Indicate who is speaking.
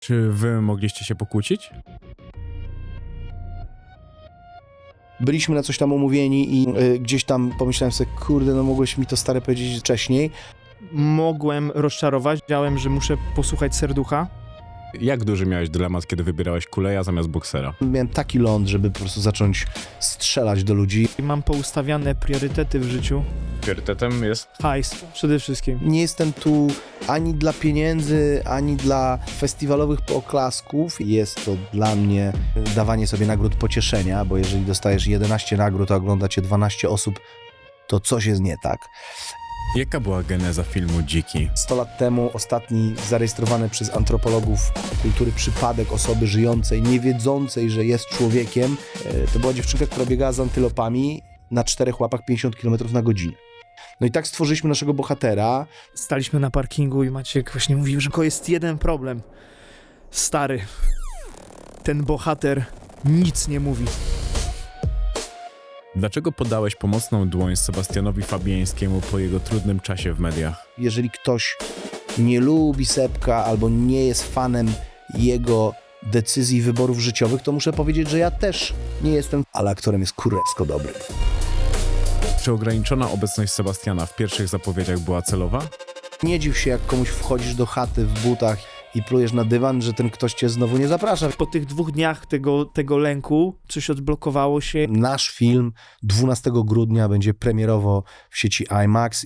Speaker 1: Czy wy mogliście się pokłócić?
Speaker 2: Byliśmy na coś tam umówieni i gdzieś tam pomyślałem sobie, kurde, no mogłeś mi to stary powiedzieć wcześniej.
Speaker 3: Mogłem rozczarować, wiedziałem, że muszę posłuchać serducha.
Speaker 1: Jak duży miałeś dylemat, kiedy wybierałeś kuleja zamiast boksera?
Speaker 2: Miałem taki ląd, żeby po prostu zacząć strzelać do ludzi.
Speaker 3: Mam poustawiane priorytety w życiu.
Speaker 1: Priorytetem jest...
Speaker 3: Hajs przede wszystkim.
Speaker 2: Nie jestem tu ani dla pieniędzy, ani dla festiwalowych poklasków. Jest to dla mnie dawanie sobie nagród pocieszenia, bo jeżeli dostajesz 11 nagród, a ogląda cię 12 osób, to coś jest nie tak.
Speaker 1: Jaka była geneza filmu Dziki?
Speaker 2: 100 lat temu ostatni zarejestrowany przez antropologów kultury przypadek osoby żyjącej, nie wiedzącej, że jest człowiekiem, to była dziewczynka, która biegała z antylopami na 4 łapach 50 km na godzinę. No i tak stworzyliśmy naszego bohatera.
Speaker 3: Staliśmy na parkingu i Maciek właśnie mówił, że tylko jest jeden problem. Stary, ten bohater nic nie mówi.
Speaker 1: Dlaczego podałeś pomocną dłoń Sebastianowi Fabiańskiemu po jego trudnym czasie w mediach?
Speaker 2: Jeżeli ktoś nie lubi Sepka albo nie jest fanem jego decyzji i wyborów życiowych, to muszę powiedzieć, że ja też nie jestem, ale aktorem jest kurewsko dobry.
Speaker 1: Czy ograniczona obecność Sebastiana w pierwszych zapowiedziach była celowa?
Speaker 2: Nie dziw się, jak komuś wchodzisz do chaty w butach i plujesz na dywan, że ten ktoś cię znowu nie zaprasza.
Speaker 3: Po tych 2 dniach tego lęku coś odblokowało się.
Speaker 2: Nasz film 12 grudnia będzie premierowo w sieci IMAX.